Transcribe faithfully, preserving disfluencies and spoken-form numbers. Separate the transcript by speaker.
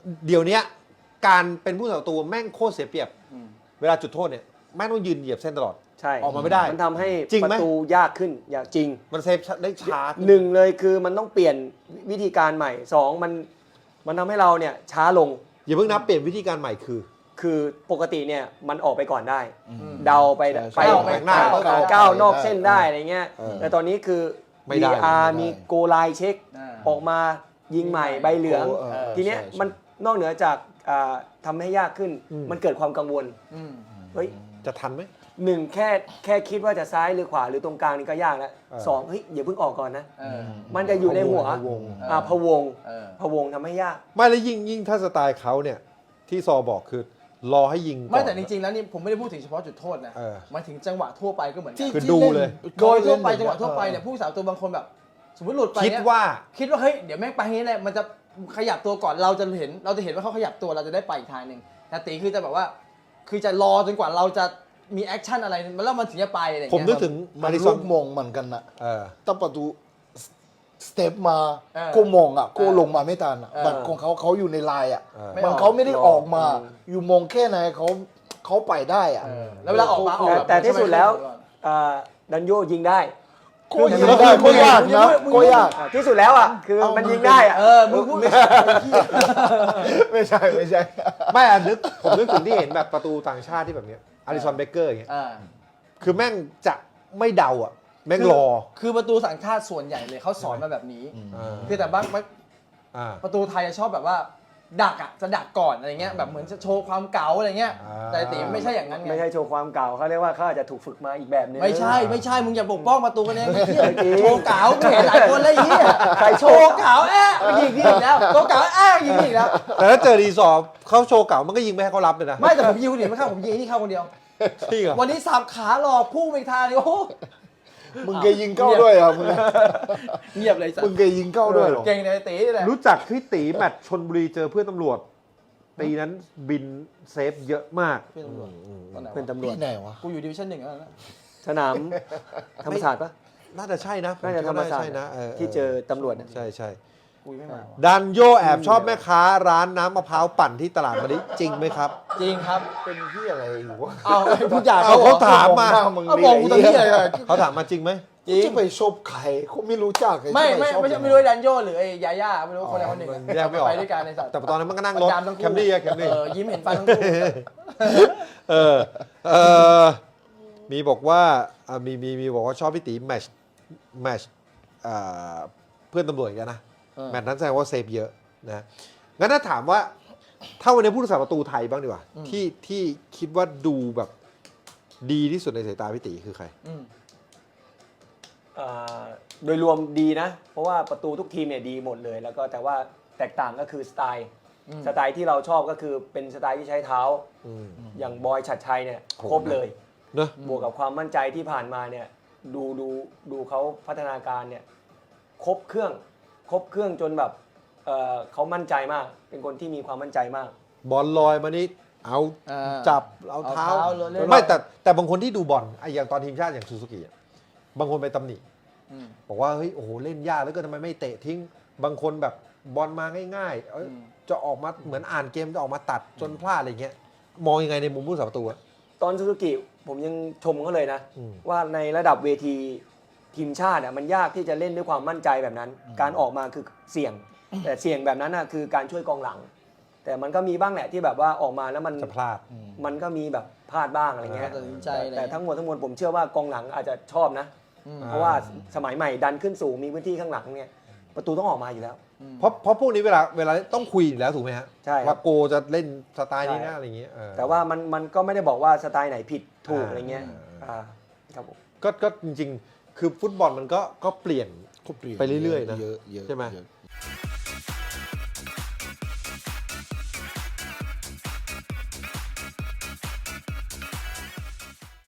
Speaker 1: เดี๋ยวนี้การเป็นผู้สาประตูแม่งโคตรเสียเปรียบเวลาจุดโทษเนี่ยแม่งต้องยืนเหยียบเส้นตลอด
Speaker 2: ใช่
Speaker 1: ออกมาไม่ได้
Speaker 2: มันทำให้
Speaker 1: จริง
Speaker 2: ป
Speaker 1: ไหม
Speaker 2: ระตูยากขึ้นอย่างจริง
Speaker 1: มันเซฟได้ช้าขึ้น
Speaker 2: หนึ่งเลยคือมันต้องเปลี่ยนวิธีการใหม่สองมันมันทำให้เราเนี่ยช้าลง
Speaker 1: อย่าเพิ่งนับเปลี่ยนวิธีการใหม่คือ
Speaker 2: คือปกติเนี่ยมันออกไปก่อนได้ เดาไป
Speaker 3: ใช่
Speaker 2: ไป
Speaker 3: ใช่
Speaker 2: ไป
Speaker 1: หน้า
Speaker 2: ก้าวก้าวนอกเส้นได้อะไรเงี้ย
Speaker 1: เออ
Speaker 2: แต่ตอนนี้คือ
Speaker 1: ไม่ได้
Speaker 2: วี อาร์
Speaker 3: ไม่ได้
Speaker 2: มีโกไลน์เช็ค
Speaker 4: อ่า
Speaker 2: ออกมายิงใหม่ใบเหลือง
Speaker 3: เออเออ
Speaker 2: ทีเนี้ย
Speaker 3: ใช่ใช่
Speaker 2: มันนอกเหนือจากอ่าทำให้ยากขึ้น มันเกิดความกังวล
Speaker 4: อืม
Speaker 2: เฮ้ย
Speaker 1: จะทันไหม
Speaker 2: หนึ่งแค่แค่คิดว่าจะซ้ายหรือขวาหรือตรงกลางนี่ก็ยากแล้ว
Speaker 1: เออ
Speaker 2: สองเฮ้ยอย่าเพิ่งออกก่อนนะ
Speaker 4: เออ
Speaker 2: มันจะอยู่ในหัว
Speaker 1: พะวง
Speaker 2: อ่าพะวง
Speaker 4: เออ
Speaker 2: พะวงทำให้ยาก
Speaker 1: ไม่แล้วยิ่งยิ่งถ้าสไตล์เขาเนี่ยที่ซอบอกคือรอให้ยิงก่อน
Speaker 4: ไม่แต่จริงๆแล้วนี่ผมไม่ได้พูดถึงเฉพาะจุดโทษนะ
Speaker 1: เออ
Speaker 4: หมายถึงจังหวะทั่วไปก็เหมือนกัน
Speaker 3: ที่
Speaker 1: คือ
Speaker 3: ที่
Speaker 1: ดู
Speaker 3: น
Speaker 1: เลย
Speaker 4: โดยทั่วไป
Speaker 3: เขา
Speaker 4: จังหวะทั่วไป
Speaker 3: ออ
Speaker 4: เนี่ยผู้สาวตัวบางคนแบบ สมมติหลุดไป
Speaker 1: คิด
Speaker 4: เนี่ย
Speaker 1: ว่า
Speaker 4: คิดว่าเฮ้ยเดี๋ยวแม่งไปนี้แหละมันจะขยับตัวก่อนเราจะเห็นเราจะเห็นว่าเขาขยับตัวเราจะได้ไปอีกทางหนึ่งแต่ตีคือจะแบบว่า คือจะรอจนกว่าเราจะมีแอคชั่นอะไรแล้วมันถึงจะไปอะไรอย่าง
Speaker 1: ผม
Speaker 4: เงี้ย
Speaker 1: นึกถึง
Speaker 3: มั
Speaker 1: มาน ริซ
Speaker 3: ลู
Speaker 1: อน
Speaker 3: กมงเหมือนกันนะ
Speaker 1: เออ
Speaker 3: ตั้งประตูสเต็ปมา
Speaker 4: เออ
Speaker 3: ก็มองอ่ะก็ลงมาไม่ทันอ่ะ
Speaker 4: เออ
Speaker 3: บัตรของเขาเขาอยู่ในลายอ่ะ
Speaker 1: เออ
Speaker 4: ไม่
Speaker 3: มัน
Speaker 4: ออก
Speaker 3: เขาไม่ได้
Speaker 2: รอ
Speaker 3: ออกมา
Speaker 2: อืม
Speaker 3: อยู่มองแค่ไหนเขาเขาไปได้อ่ะ
Speaker 4: เออแล้วเวลาออกมาออก
Speaker 2: แต่
Speaker 4: บบ
Speaker 2: แต่ที่สุดแล้ว
Speaker 4: ใช่ไหม
Speaker 2: อ่าดันโยยิงได้
Speaker 3: ก็ยิงได้ก็ยากนะก็ยาก
Speaker 2: อ่าที่สุดแล้วอ่ะคือ
Speaker 3: เอามั
Speaker 2: มันยิงได้อ่ะ
Speaker 4: เออมึงพูด
Speaker 3: ไม่ใช่ไม่ใช่
Speaker 1: ไม่อะนึกผมนึกถึงที่เห็นแบบประตูต่างชาติที่แบบเนี้ยอาริสันเบเกอร์อย่างเงี้ย
Speaker 4: อ่า
Speaker 1: คือแม่งจะไม่เดาอ่ะแม่งรอ
Speaker 4: คือประตูสังชาติส่วนใหญ่เลยเขาสอนมาแบบนี้
Speaker 1: อ่า
Speaker 4: คือแต่บางบาง
Speaker 1: อ่า
Speaker 4: ประตูไทยจะชอบแบบว่า ดักอ่ะจะดักก่อนอะไรเงี้ยแบบเหมือนจะโชว์ความเก๋าอะไรเงี้ย
Speaker 1: อ่า
Speaker 4: แต่ตีไม่ใช่อย่างนั้นไง
Speaker 2: ไม่ใช่โชว์ความเก่าเขาเรียกว่าเขาอาจจะถูกฝึกมาอีกแบบนึง
Speaker 4: ไม่ใช่ไม่ใช่มึงอย่าปกป้องประตูกันเองไอ้เหี้ย
Speaker 2: จริง
Speaker 4: โชว์เก๋ากูเห็นหลายคนเลยไอ้เหี้ย
Speaker 2: ใครโช
Speaker 4: โช
Speaker 2: ว์
Speaker 4: ว์เก๋าแอะยิงนี่อีกแล้วโชว์เก๋าแอะยิงนี่อีกแล้ว
Speaker 1: แต่ถ้าเจอรีสอร์ทเขาโชว์เก่ามันก็ยิงไม่ให้เขารับเลยนะ
Speaker 4: ไม่แต่ผมยิงคนอื่นไม่เข้าผมยิงไอ้นี่เข้าคนเดียว
Speaker 1: จริงเหรอ
Speaker 4: วันนี้สับขาหลอกพุ่งไปอีกทางเดียวโอ้โห
Speaker 3: มึงเคยยิงเข้าด้วยอ่ะมึง
Speaker 4: เงียบเลยสัต
Speaker 3: มึง
Speaker 4: ว์
Speaker 3: เคยยิงเข้าด้วยเหรอ
Speaker 4: เก่งในตีนี่แหละ
Speaker 1: รู้จักพี่ตีแมตช์ชนบุรีเจอเพื่อนตำรวจตีนั้นบินเซฟเยอะมาก
Speaker 4: เพื่อนตำรวจตอนไหน
Speaker 2: เพื่อน
Speaker 4: วะ
Speaker 2: ตำรวจ
Speaker 3: ที่ไหนวะ
Speaker 4: กูอยู่ดิวิชั่นหนึ่งแล้วนะ
Speaker 2: สนามธรรมศาสตร์ปะ
Speaker 1: น่าจะใช่นะผ
Speaker 2: น่าจะธรรมศาสต
Speaker 1: ใช่
Speaker 2: ร์
Speaker 1: นะ
Speaker 2: ที่เจอตำรวจน่ะ
Speaker 1: ใช่ใช่
Speaker 4: กูไม่มาว่ะ
Speaker 1: ดันโยแอบชอบแม่ค้าร้านน้ำมะพร้าวปั่นที่ตลาดมะลิจริงไหมครับ
Speaker 4: จริงครับ
Speaker 3: เป็นที่อะไรอยู่วะ
Speaker 4: เอาให้พูดอยาก
Speaker 1: เอา
Speaker 4: เขา
Speaker 1: เขาถามมา
Speaker 3: หน้มึง
Speaker 4: เอามองกูตอนนี้เลยอะ
Speaker 1: เขาถามมาจริงไหม
Speaker 4: จริง
Speaker 3: จะไปชอบใครเขาไม่รู้จักใคร
Speaker 4: ไม่ไม่
Speaker 3: จะปชอบ
Speaker 4: ไม่ใช่ไม่รู้ไอ้ดันโยหรือไอ้ยาย่าไม่รู้คนใดคนหนึ่งอะ
Speaker 1: แยกไม่ออก
Speaker 4: ไปด้วยกันในสัตว์
Speaker 1: แต่ตอนนั้นมันก็นั่งรถ
Speaker 4: ประจำทั้ง
Speaker 1: แคมรี่อะแคมรี่
Speaker 4: เออยิ้มเห็นฟันทั้งคู่
Speaker 1: เออเออมีบอกว่าอ่ะมีมีมีบอกว่าชอบพี่ตีแมชแมชอ่าเพื่อนตำรวจอีกันนะ
Speaker 4: เออ
Speaker 1: แมตช์นั้นแสดงว่าเซฟเยอะนะงั้นถ้าถามว่าถ้าวันนี้ผู้รักษาประตูไทยบ้างดีกว่า
Speaker 4: อืม
Speaker 1: ที่ที่คิดว่าดูแบบดีที่สุดในสายตาพี่ตีคือใคร
Speaker 4: อืม
Speaker 2: อ่าโดยรวมดีนะ เพราะว่าประตูทุกทีมเนี่ยดีหมดเลย แล้วก็แต่ว่าแตกต่างก็คือสไตล์
Speaker 4: อืม
Speaker 2: สไตล์ที่เราชอบก็คือเป็นสไตล์ที่ใช้เท้า
Speaker 1: อืม
Speaker 2: อย่างบอยฉัดชัยเนี่ย
Speaker 1: โห
Speaker 2: ครบเลย
Speaker 1: เนอะ
Speaker 2: บวกกับความมั่นใจที่ผ่านมาเนี่ยดูดูดูเขาพัฒนาการเนี่ยครบเครื่องครบเครื่องจนแบบเอ่อเขามั่นใจมาก เป็นคนที่มีความมั่นใจมาก
Speaker 1: บอลลอยมานี่เอา
Speaker 4: อ่า
Speaker 1: จับเอาเท้า
Speaker 4: เอาเท้าเลย
Speaker 1: ไม่แต่แต่บางคนที่ดูบอลไอ้อย่างตอนทีมชาติอย่างซูซูกิอะบางคนไปตำหนิ
Speaker 4: อืม
Speaker 1: บอกว่าเฮ้ยโอ้โหเล่นยากแล้วก็ทำไมไม่เตะทิ้ง บางคนแบบบอลมาง่ายๆเอ้ย
Speaker 4: อืม
Speaker 1: จะออกมาเหมือนอ่านเกมจะออกมาตัดจนพลาดอะไรเงี้ยมองยังไงในมุมผู้สาประตูอะ
Speaker 2: ตอนซูซูกิผมยังชมเขาเลยนะ
Speaker 1: อืม
Speaker 2: ว่าในระดับเวทีทีมชาติอ่ะมันยากที่จะเล่นด้วยความมั่นใจแบบนั้น การออกมาคือเสี่ยง แต่เสี่ยงแบบนั้นน่ะคือการช่วยกองหลัง แต่มันก็มีบ้างแหละที่แบบว่าออกมาแล้วมัน
Speaker 1: จะพลาด
Speaker 2: มันก็มีแบบพลาดบ้างอะไรเงี้ย
Speaker 4: ตัดสินใจอะไร
Speaker 2: แต่ทั้งหมดทั้งมวลผมเชื่อว่ากองหลังอาจจะชอบนะ
Speaker 4: อืม
Speaker 2: เพราะว่าสมัยใหม่ดันขึ้นสูงมีพื้นที่ข้างหลังเนี่ยประตูต้องออกมาอยู่แล้ว
Speaker 1: เพราะเพราะพวกนี้เวลาเวลาต้องคุยอยู่แล้วถูกไหมฮะ
Speaker 2: ใช่ครับ
Speaker 1: ว่าโกจะเล่นสไตล์นี้
Speaker 2: ใช่
Speaker 1: นะอะไรเงี้ยเออ
Speaker 2: แต่ว่ามันมันก็ไม่ได้บอกว่าสไตล์ไหนผิดถูก
Speaker 1: อ่า
Speaker 2: อะไรเงี้ยอ่าครับผม
Speaker 1: ก็ก็จริงๆ คือฟุตบอลมันก็ก็เปลี่ยน
Speaker 3: ก็เปลี่ยน
Speaker 1: ไปเรื่อยๆนะ
Speaker 3: เยอะเยอะ
Speaker 1: ใช่ไหม
Speaker 3: เยอะ